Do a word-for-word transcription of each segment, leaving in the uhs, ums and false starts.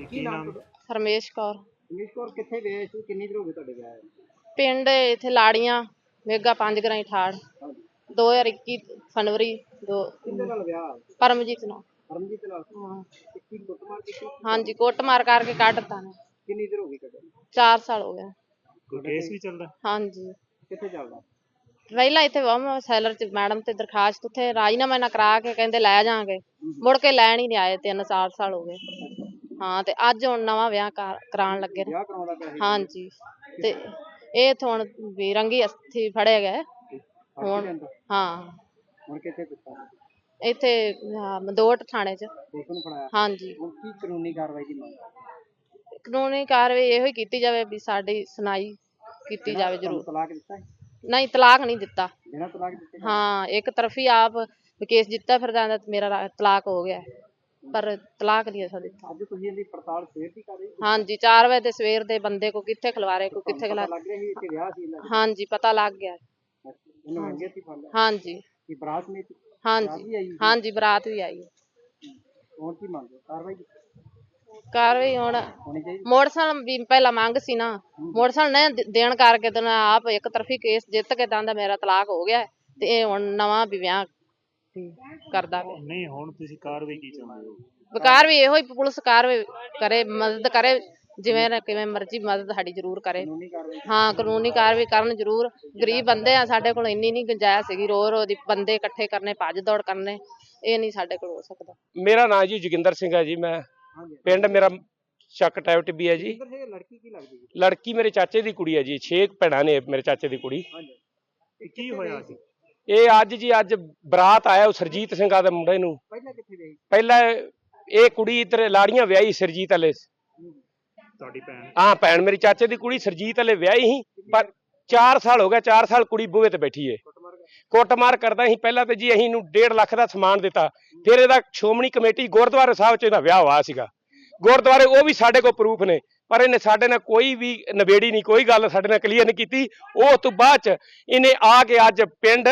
ਕੀ ਨਾਮ? ਰਮੇਸ਼ ਕੌਰ। ਰਮੇਸ਼ ਕੌਰ ਕਿੱਥੇ ਗਏ ਸੀ? ਕਿੰਨੀ ਦੇਰ ਹੋ ਗਈ ਤੁਹਾਡੇ ਵਿਆਹ ਨੂੰ? ਪਿੰਡ ਇੱਥੇ ਲਾੜੀਆਂ ਮੇਗਾ ਪੰਜ ਗਰਾਈ ਠਾੜ ਦੋ ਹਜ਼ਾਰ ਇੱਕੀ ਫਰਵਰੀ ਦੋ। ਕਿਹਦੇ ਨਾਲ ਵਿਆਹ? ਪਰਮਜੀਤ ਨਾਲ। ਪਰਮਜੀਤ ਨਾਲ? ਹਾਂ ਕੀ ਕੁੱਟਮਾਰ ਕੀਤੀ? ਹਾਂਜੀ ਕੁੱਟਮਾਰ ਕਰਕੇ ਕੱਢਤਾ ਨੇ। ਕਿੰਨੀ ਦੇਰ ਹੋ ਗਈ ਕੱਢੇ? ਚਾਰ ਸਾਲ ਹੋ ਗਏ। ਕੋਈ ਕੇਸ ਵੀ ਚੱਲਦਾ? ਹਾਂਜੀ ਕਿੱਥੇ ਚੱਲਦਾ? ਪਹਿਲਾਂ ਇੱਥੇ ਵਮ ਸੈਲਰ ਚ ਮੈਡਮ ਤੇ ਦਰਖਾਸਤ ਉੱਥੇ ਰਾਜੀਨਾਮਾ ਨਾ ਕਰਾ ਕੇ ਕਹਿੰਦੇ ਲੈ ਜਾਾਂਗੇ, ਮੁੜ ਕੇ ਲੈਣ ਹੀ ਨਹੀਂ ਆਏ। ਤਿੰਨ ਚਾਰ ਸਾਲ ਹੋ ਗਏ। ਹਾਂ ਤੇ ਅੱਜ ਹੁਣ ਨਵਾਂ ਵਿਆਹ ਕਰਾਉਣ ਲੱਗੇ ਨੇ। ਵਿਆਹ ਕਰਾਉਂਦਾ ਪਿਆ ਸੀ? ਹਾਂਜੀ ਤੇ ਇਹ ਹੁਣ ਵੀ ਰੰਗੀ ਅਸਥੀ ਫੜੇ ਗਏ ਹੁਣ। ਹਾਂ ਹੁਣ ਕਿੱਥੇ ਦਿੱਤਾ? ਇੱਥੇ ਮਦੋਟ ਥਾਣੇ ਚ। ਪੁਲਿਸ ਨੂੰ ਫੜਾਇਆ? ਹਾਂਜੀ। ਹੁਣ ਕੀ ਕਾਨੂੰਨੀ ਕਾਰਵਾਈ ਦੀ ਮੰਗ? ਕਾਨੂੰਨੀ ਕਾਰਵਾਈ ਇਹੋ ਹੀ ਕੀਤੀ ਜਾਵੇ ਵੀ ਸਾਡੀ ਸੁਣਾਈ ਕੀਤੀ ਜਾਵੇ ਜ਼ਰੂਰ। ਤਲਾਕ ਦਿੱਤਾ? ਨਹੀਂ ਤਲਾਕ ਨਹੀਂ ਦਿੱਤਾ। ਬਿਨਾਂ ਤਲਾਕ ਦਿੱਤੇ? ਹਾਂ ਇੱਕ ਤਰਫੀ ਆਪ ਕੇਸ ਜਿੱਤਾ ਫਿਰਦਾ ਮੇਰਾ ਤਲਾਕ ਹੋ ਗਿਆ ਪਰ ਤਲਾਕ ਨਹੀਂ ਅਸਾਂ ਦਿੱਤਾ। ਅੱਜ ਤੁਸੀਂ ਇਹਦੀ ਪੜਤਾਲ ਸਵੇਰ ਦੀ ਕਰ ਰਹੇ ਹੋ? ਹਾਂਜੀ ਚਾਰ ਵਜੇ ਦੇ ਸਵੇਰ ਦੇ ਬੰਦੇ ਕੋ ਕਿੱਥੇ ਖਿਲਵਾਰੇ ਕੋ ਕਿੱਥੇ ਖਿਲਾ। ਲੱਗ ਰਿਹਾ ਸੀ ਇੱਥੇ ਵਿਆਹ ਸੀ ਇਹਨਾਂ ਦਾ? ਹਾਂਜੀ ਪਤਾ ਲੱਗ ਗਿਆ। ਇਹਨੂੰ ਮੰਗੇ ਸੀ ਫੜ ਲਿਆ? ਹਾਂਜੀ। ਕੀ ਬਰਾਤ ਨੇ? ਹਾਂਜੀ ਹਾਂਜੀ ਬਰਾਤ ਵੀ ਆਈ। ਹੁਣ ਕੀ ਮੰਗਦੇ? ਕਾਰਵਾਈ ਕਾਰਵਾਈ ਹੁਣ ਮੋਟਰਸਾਈਕਲ ਵੀ ਪਹਿਲਾਂ ਮੰਗ ਸੀ ਨਾ, ਮੋਟਰਸਾਈਕਲ ਨੇ ਦੇਣ ਕਰਕੇ ਤੇ ਆਪ ਇੱਕ ਤਰਫੀ ਕੇਸ ਜਿੱਤ ਕੇ ਕਹਿੰਦਾ ਮੇਰਾ ਤਲਾਕ ਹੋ ਗਿਆ ਤੇ ਇਹ ਹੁਣ ਨਵਾਂ ਵੀ ਵਿਆਹ ਕਰਦਾ ਪਿਆ। ਨਹੀਂ ਹੁਣ ਤੁਸੀਂ ਕਾਰਵਾਈ ਕੀ ਚਾਹੁੰਦੇ ਹੋ? ਕਾਰਵਾਈ ਇਹੋ ਹੀ ਪੁਲਿਸ ਕਾਰਵਾਈ ਕਰੇ, ਮਦਦ ਕਰੇ ਜਿਵੇਂ ਨਾ ਕਿਵੇਂ ਮਰਜ਼ੀ ਮਦਦ ਸਾਡੀ ਜ਼ਰੂਰ ਕਰੇ। ਹਾਂ ਕਾਨੂੰਨੀ ਕਾਰਵਾਈ ਕਰਨ ਜ਼ਰੂਰ। ਗਰੀਬ ਬੰਦੇ ਆ, ਸਾਡੇ ਕੋਲ ਇੰਨੀ ਨਹੀਂ ਗੁੰਜਾਇਸ਼ ਸੀਗੀ ਰੋ ਰੋ ਦੀ ਬੰਦੇ ਇਕੱਠੇ ਕਰਨੇ, ਭੱਜ ਦੌੜ ਕਰਨੇ, ਇਹ ਨਹੀਂ ਸਾਡੇ ਕੋਲ ਹੋ ਸਕਦਾ। ਮੇਰਾ ਨਾਂ ਜੀ ਜੋਗਿੰਦਰ ਸਿੰਘ ਹੈ ਜੀ। ਮੈਂ ਪਿੰਡ ਮੇਰਾ ਚੱਕ ਟੈਬ ਟਿੱਬੀ ਹੈ ਜੀ। ਲੜਕੀ ਕੀ ਲੱਗਦੀ? ਲੜਕੀ ਮੇਰੇ ਚਾਚੇ ਦੀ ਕੁੜੀ ਹੈ ਜੀ। ਛੇ ਭੈਣਾਂ ਨੇ ਮੇਰੇ ਚਾਚੇ ਦੀ ਕੁੜੀ। ਕੀ ਹੋਇਆ ਸੀ? ਇਹ ਅੱਜ ਜੀ ਅੱਜ ਬਰਾਤ ਆਇਆ ਉਹ ਸਰਜੀਤ ਸਿੰਘਾਂ ਦੇ ਮੁੰਡੇ ਨੂੰ। ਪਹਿਲਾਂ ਕਿੱਥੇ ਗਈ? ਪਹਿਲਾਂ ਇਹ ਕੁੜੀ ਇੱਧਰ ਲਾੜੀਆਂ ਵਿਆਹੀ ਸਰਜੀਤ ਵਾਲੇ। ਤੁਹਾਡੀ ਭੈਣ? ਹਾਂ ਭੈਣ ਮੇਰੀ ਚਾਚੇ ਦੀ ਕੁੜੀ ਸਰਜੀਤ ਵਾਲੇ ਵਿਆਹੀ ਸੀ ਪਰ ਚਾਰ ਸਾਲ ਹੋ ਗਿਆ। ਚਾਰ ਸਾਲ ਕੁੜੀ ਬੂਹੇ ਤੇ ਬੈਠੀ ਏ ਕੁੱਟਮਾਰ ਕਰਦਾ ਸੀ। ਪਹਿਲਾਂ ਤੇ ਜੀ ਅਸੀਂ ਇਹਨੂੰ ਡੇਢ ਲੱਖ ਦਾ ਸਮਾਨ ਦਿੱਤਾ। ਫਿਰ ਇਹਦਾ ਸ਼੍ਰੋਮਣੀ ਕਮੇਟੀ ਗੁਰਦੁਆਰੇ ਸਾਹਿਬ ਚ ਇਹਦਾ ਵਿਆਹ ਹੋਇਆ ਸੀਗਾ ਗੁਰਦੁਆਰੇ, ਉਹ ਵੀ ਸਾਡੇ ਕੋਲ ਪ੍ਰੂਫ ਨੇ ਪਰ ਇਹਨੇ ਸਾਡੇ ਨਾਲ ਕੋਈ ਵੀ ਨਿਬੇੜੀ ਨਹੀਂ, ਕੋਈ ਗੱਲ ਸਾਡੇ ਨਾਲ ਕਲੀਅਰ ਨਹੀਂ ਕੀਤੀ। ਉਹ ਤੋਂ ਬਾਅਦ ਚ ਇਹਨੇ ਆ ਕੇ ਅੱਜ ਪਿੰਡ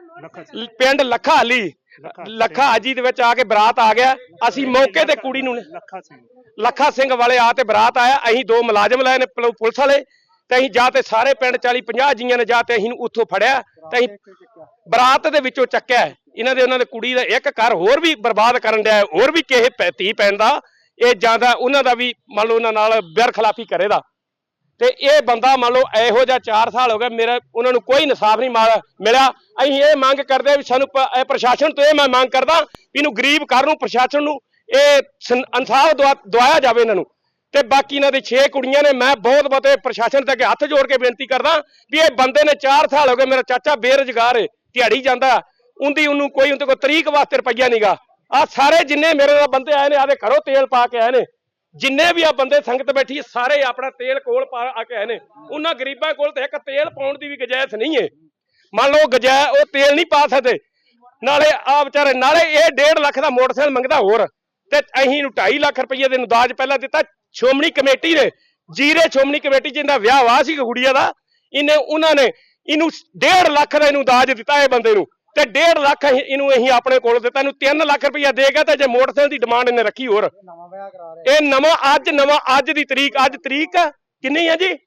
ਪਿੰਡ ਲੱਖਾ ਹਾਲੀ ਲੱਖਾ ਹਾਜੀ ਦੇ ਵਿੱਚ ਆ ਕੇ ਬਰਾਤ ਆ ਗਿਆ। ਅਸੀਂ ਮੌਕੇ ਤੇ ਕੁੜੀ ਨੂੰ ਲੱਖਾ ਸਿੰਘ ਵਾਲੇ ਆ ਤੇ ਬਰਾਤ ਆਇਆ। ਅਸੀਂ ਦੋ ਮੁਲਾਜ਼ਮ ਲਏ ਨੇ ਪੁਲਿਸ ਵਾਲੇ ਤੇ ਅਸੀਂ ਜਾ ਤੇ ਸਾਰੇ ਪਿੰਡ ਚਾਲੀ ਪੰਜਾਹ ਜੀਆਂ ਨੇ ਜਾ ਤੇ ਅਸੀਂ ਉੱਥੋਂ ਫੜਿਆ ਤੇ ਅਸੀਂ ਬਰਾਤ ਦੇ ਵਿੱਚੋਂ ਚੱਕਿਆ। ਇਹਨਾਂ ਦੇ ਉਹਨਾਂ ਦੇ ਕੁੜੀ ਦਾ ਇੱਕ ਘਰ ਹੋਰ ਵੀ ਬਰਬਾਦ ਕਰਨ ਡਿਆ, ਹੋਰ ਵੀ ਕਿਸੇ ਧੀ ਪੈਣ ਦਾ ਇਹ ਜਾਂਦਾ ਉਹਨਾਂ ਦਾ ਵੀ ਮੰਨ ਲਓ ਉਹਨਾਂ ਨਾਲ ਬੇਰਖਲਾਫੀ ਕਰੇਦਾ। ਤੇ ਇਹ ਬੰਦਾ ਮੰਨ ਲਓ ਇਹੋ ਜਿਹਾ ਚਾਰ ਸਾਲ ਹੋ ਗਏ ਮੇਰਾ ਉਹਨਾਂ ਨੂੰ ਕੋਈ ਇਨਸਾਫ ਨਹੀਂ ਮਿਲਿਆ। ਅਸੀਂ ਇਹ ਮੰਗ ਕਰਦੇ ਵੀ ਸਾਨੂੰ ਪ੍ਰਸ਼ਾਸਨ ਤੋਂ ਇਹ ਮੈਂ ਮੰਗ ਕਰਦਾ ਵੀ ਇਹਨੂੰ ਗਰੀਬ ਘਰ ਨੂੰ ਪ੍ਰਸ਼ਾਸਨ ਨੂੰ ਇਹ ਇਨਸਾਫ ਦਵਾਇਆ ਜਾਵੇ ਇਹਨਾਂ ਨੂੰ। ਤੇ ਬਾਕੀ ਇਹਨਾਂ ਦੇ ਛੇ ਕੁੜੀਆਂ ਨੇ। ਮੈਂ ਬਹੁਤ ਬਹੁਤ ਪ੍ਰਸ਼ਾਸਨ ਤੇ ਅੱਗੇ ਹੱਥ ਜੋੜ ਕੇ ਬੇਨਤੀ ਕਰਦਾ ਵੀ ਇਹ ਬੰਦੇ ਨੇ ਚਾਰ ਸਾਲ ਹੋ ਗਏ ਮੇਰਾ ਚਾਚਾ ਬੇਰੁਜ਼ਗਾਰ ਹੈ, ਦਿਹਾੜੀ ਜਾਂਦਾ, ਉਹਦੀ ਉਹਨੂੰ ਕੋਈ ਉਹਦੇ ਕੋਲ ਤਰੀਕ ਵਾਸਤੇ ਰੁਪਈਆ ਨੀਗਾ। ਆ ਸਾਰੇ ਜਿੰਨੇ ਮੇਰੇ ਨਾਲ ਬੰਦੇ ਆਏ ਨੇ ਆਦੇ ਘਰੋਂ ਤੇਲ ਪਾ ਕੇ ਆਏ ਨੇ, ਜਿੰਨੇ ਵੀ ਆ ਬੰਦੇ ਸੰਗਤ ਬੈਠੀ ਸਾਰੇ ਆਪਣਾ ਤੇਲ ਕੋਲ ਪਾ ਆ ਕੇ ਆਏ ਨੇ। ਉਹਨਾਂ ਗਰੀਬਾਂ ਕੋਲ ਤੇ ਇੱਕ ਤੇਲ ਪਾਉਣ ਦੀ ਵੀ ਗੁੰਜਾਇਸ਼ ਨਹੀਂ ਹੈ। ਮੰਨ ਲਓ ਗੁੰਜਾਇਸ਼ ਉਹ ਤੇਲ ਨਹੀਂ ਪਾ ਸਕਦੇ। ਨਾਲੇ ਆ ਵਿਚਾਰੇ ਨਾਲੇ ਇਹ ਡੇਢ ਲੱਖ ਦਾ ਮੋਟਰਸਾਈਕਲ ਮੰਗਦਾ ਹੋਰ ਤੇ ਅਸੀਂ ਇਹਨੂੰ ਢਾਈ ਲੱਖ ਰੁਪਈਏ ਦੇ ਦਾਜ ਪਹਿਲਾਂ ਦਿੱਤਾ। ਸ਼੍ਰੋਮਣੀ ਕਮੇਟੀ ਨੇ ਜੀਰੇ ਸ਼੍ਰੋਮਣੀ ਕਮੇਟੀ ਜਿੰਦਾ ਵਿਆਹ ਵਾ ਸੀ ਗੁੜੀਆ ਦਾ, ਇਹਨੇ ਉਹਨਾਂ ਨੇ ਇਹਨੂੰ ਡੇਢ ਲੱਖ ਦਾ ਇਹਨੂੰ ਦਾਜ ਦਿੱਤਾ ਇਹ ਬੰਦੇ ਨੂੰ ਤੇ ਡੇਢ ਲੱਖ ਇਹਨੂੰ ਅਸੀਂ ਆਪਣੇ ਕੋਲ ਦਿੱਤਾ। ਇਹਨੂੰ ਤਿੰਨ ਲੱਖ ਰੁਪਈਆ ਦੇ ਗਿਆ ਤੇ ਜੇ ਮੋਟਰਸਾਈਕਲ ਦੀ ਡਿਮਾਂਡ ਇਹਨੇ ਰੱਖੀ ਹੋਰ। ਇਹ ਨਵਾਂ ਅੱਜ ਨਵਾਂ ਅੱਜ ਦੀ ਤਰੀਕ ਅੱਜ ਤਰੀਕ ਕਿੰਨੀ ਹੈ ਜੀ?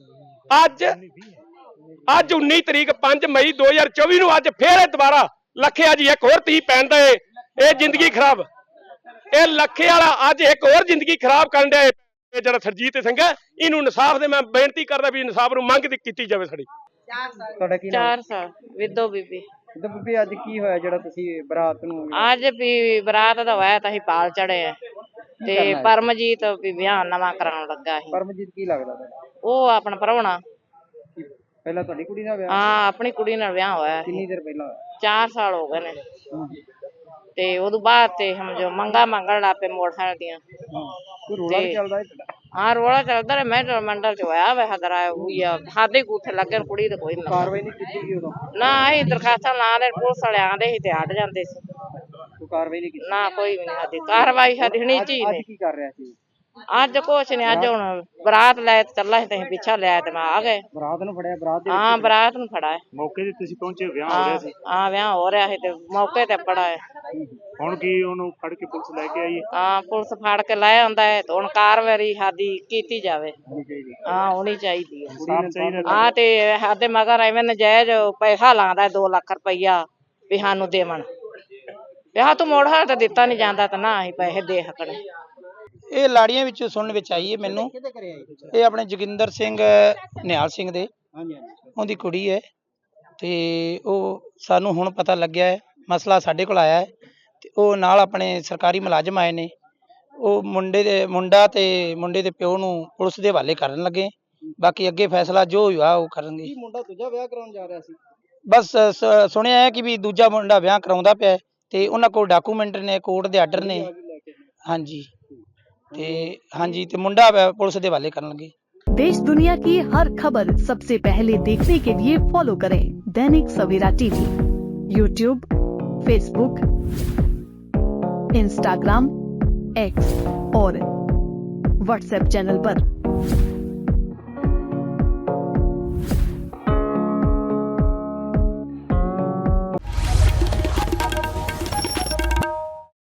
ਅੱਜ ਅੱਜ ਉੱਨੀ ਤਰੀਕ ਪੰਜ ਮਈ ਦੋ ਹਜ਼ਾਰ ਚੌਵੀ ਨੂੰ ਅੱਜ ਫੇਰ ਦੁਬਾਰਾ ਲੱਖਿਆ ਜੀ ਇੱਕ ਹੋਰ ਧੀ ਪੈਣ ਦਾ ਇਹ ਜ਼ਿੰਦਗੀ ਖਰਾਬ। ਇਹ ਲੱਖੇ ਵਾਲਾ ਅੱਜ ਇੱਕ ਹੋਰ ਜ਼ਿੰਦਗੀ ਖਰਾਬ ਕਰਨ ਡਿਆ ਇਹ ਜਿਹੜਾ ਸਰਜੀਤ ਸਿੰਘ ਹੈ। ਇਹਨੂੰ ਇਨਸਾਫ ਦੇ ਮੈਂ ਬੇਨਤੀ ਕਰਦਾ ਵੀ ਇਨਸਾਫ ਨੂੰ ਮੰਗ ਕੀਤੀ ਜਾਵੇ ਸਾਡੀ। ਤੁਹਾਡਾ ਕੀ ਨਾਮ? ਚਾਰ ਸਾਲ ਵਿਦੋ ਬੀਬੀ। ਵਿਦੋ ਬੀਬੀ ਅੱਜ ਕੀ ਹੋਇਆ ਜਿਹੜਾ ਤੁਸੀਂ ਬਰਾਤ ਨੂੰ? ਅੱਜ ਵੀ ਬਰਾਤ ਦਾ ਹੋਇਆ ਤਾਂ ਅਸੀਂ ਪਾਲ ਚੜੇ ਆ ਤੇ ਪਰਮਜੀਤ ਵੀ ਵਿਆਹ ਨਵਾਂ ਕਰਾਉਣ ਲੱਗਾ ਸੀ। ਪਰਮਜੀਤ ਕੀ ਲੱਗਦਾ ਤੁਹਾਡਾ? ਉਹ ਆਪਣਾ ਪ੍ਰਾਹੁਣਾ। ਪਹਿਲਾਂ ਤੁਹਾਡੀ ਕੁੜੀ ਨਾਲ ਵਿਆਹ? ਹਾਂ ਆਪਣੀ ਕੁੜੀ ਨਾਲ ਵਿਆਹ ਹੋਇਆ। ਕਿੰਨੀ ਦੇਰ ਪਹਿਲਾਂ? ਚਾਰ ਸਾਲ ਹੋ ਗਏ ਨੇ ਤੇ ਉਦੋਂ ਬਾਅਦ ਤੇ ਸਮਝੋ ਮੰਗਾ ਮੰਗਣ ਲੱਗ ਪਏ ਮੋਟਰਸਾਈਕਲ ਦੀਆਂ। ਰੋਲਾ ਚੱਲਦਾ? ਹਾਂ ਰੋਲਾ ਚੱਲਦਾ ਰਿਹਾ। ਮੈਂ ਮੰਡਲ ਚ ਹੋਇਆ ਵੇ ਹਦਰਾ ਹੋਈ ਆ ਸਾਡੇ ਕੋਠੇ ਲੱਗੇ ਕੁੜੀ ਤੇ ਕੋਈ ਕਾਰਵਾਈ ਨਹੀਂ ਕੀਤੀ ਉਦੋਂ? ਨਾ ਅਸੀਂ ਦਰਖਾਸਤਾਂ ਲਾ ਦੇ ਪੁਲਿਸ ਵਾਲੇ ਆਂਦੇ ਸੀ ਤੇ ਹਟ ਜਾਂਦੇ ਸੀ। ਕੋਈ ਕਾਰਵਾਈ ਨਹੀਂ ਕੀਤੀ? ਨਾ ਕੋਈ ਵੀ ਨਹੀਂ ਸਾਡੀ ਕਾਰਵਾਈ ਸਾਡੀ ਹਣੀ ਚੀ ਅੱਜ ਕੀ ਕਰ ਰਿਹਾ ਸੀ? ਅੱਜ ਕੁਛ ਨਹੀਂ, ਅੱਜ ਹੁਣ ਬਰਾਤ ਲੈ ਤੇ ਚੱਲਾ ਸੀ ਤੇ ਅਸੀਂ ਪਿੱਛਾ ਲਿਆ ਤੇ ਮੈਂ ਆ ਗਏ। ਬਰਾਤ ਨੂੰ ਫੜਿਆ, ਬਰਾਤ ਦੇ ਹਾਂ ਬਰਾਤ ਨੂੰ ਫੜਾ ਹੈ। ਮੌਕੇ ਤੇ ਤੁਸੀਂ ਪਹੁੰਚੇ, ਵਿਆਹ ਹੋ ਰਿਹਾ ਸੀ। ਹਾਂ ਵਿਆਹ ਹੋ ਰਿਹਾ ਸੀ ਤੇ ਮੌਕੇ ਤੇ ਫੜਾ ਹੈ। ਹੁਣ ਕੀ ਉਹਨੂੰ ਫੜ ਕੇ ਪੁਲਿਸ ਲੈ ਕੇ ਆਈ ਹੈ? ਹਾਂ ਪੁਲਿਸ ਫੜ ਕੇ ਲੈ ਆਉਂਦਾ ਹੈ ਤੇ ਹੁਣ ਕਾਰਵਾਈ ਸਾਡੀ ਕੀਤੀ ਜਾਵੇ। ਹਾਂ ਹੋਣੀ ਚਾਹੀਦੀ ਹੈ। ਕੁੜੀ ਨੂੰ ਚਾਹੀਦਾ ਹਾਂ ਤੇ ਸਾਡੇ ਮਗਰ ਐਵੇਂ ਨਜਾਇਜ਼ ਪੈਸਾ ਲਾਉਂਦਾ ਦੋ ਲੱਖ ਰੁਪਈਆ ਵੀ ਸਾਨੂੰ ਦੇਵਣ। ਵਿਆਹ ਤੋਂ ਮੋੜ ਹਾਲ ਤਾਂ ਦਿੱਤਾ ਨਹੀਂ ਜਾਂਦਾ ਤਾਂ ਨਾ ਅਸੀਂ ਪੈਸੇ ਦੇ ਸਕਣੇ। ਇਹ ਲਾੜੀਆਂ ਵਿੱਚ ਸੁਣਨ ਵਿੱਚ ਆਈ ਹੈ ਮੈਨੂੰ। ਕਿਹਦੇ ਘਰੇ ਆਈ? ਇਹ ਆਪਣੇ ਜੋਗਿੰਦਰ ਸਿੰਘ ਨਿਹਾਲ ਸਿੰਘ ਦੇ, ਹਾਂਜੀ ਹਾਂਜੀ। ਉਹਦੀ ਕੁੜੀ ਹੈ ਤੇ ਉਹ ਸਾਨੂੰ ਹੁਣ ਪਤਾ ਲੱਗਿਆ ਹੈ, ਮਸਲਾ ਸਾਡੇ ਕੋਲ ਆਇਆ ਹੈ ਤੇ ਉਹ ਨਾਲ ਆਪਣੇ ਸਰਕਾਰੀ ਮੁਲਾਜ਼ਮ ਆਏ ਨੇ। ਉਹ ਮੁੰਡੇ ਦੇ ਮੁੰਡਾ ਤੇ ਮੁੰਡੇ ਦੇ ਪਿਓ ਨੂੰ ਪੁਲਿਸ ਦੇ ਹਵਾਲੇ ਕਰਨ ਲੱਗੇ। ਬਾਕੀ ਅੱਗੇ ਫੈਸਲਾ ਜੋ ਹੋਇਆ ਉਹ ਕਰਨਗੇ। ਕੀ ਮੁੰਡਾ ਦੂਜਾ ਵਿਆਹ ਕਰਾਉਣ ਜਾ ਰਿਹਾ ਸੀ? ਬਸ ਸ- ਸੁਣਿਆ ਹੈ ਕਿ ਵੀ ਦੂਜਾ ਮੁੰਡਾ ਵਿਆਹ ਕਰਾਉਂਦਾ ਪਿਆ ਹੈ ਤੇ ਉਹਨਾਂ ਕੋਲ ਡਾਕੂਮੈਂਟ ਨੇ, ਕੋਰਟ ਦੇ ਆਰਡਰ ਨੇ। ਹਾਂਜੀ ਤੇ ਹਾਂਜੀ ਤੇ ਮੁੰਡਾ ਵ- ਪੁਲਿਸ ਦੇ ਹਵਾਲੇ ਕਰਨ ਲੱਗੇ। देश दुनिया की हर खबर सबसे पहले देखने के लिए फॉलो करें Dainik Savera TV, YouTube, Facebook, Instagram, X और व्हाट्सएप चैनल पर।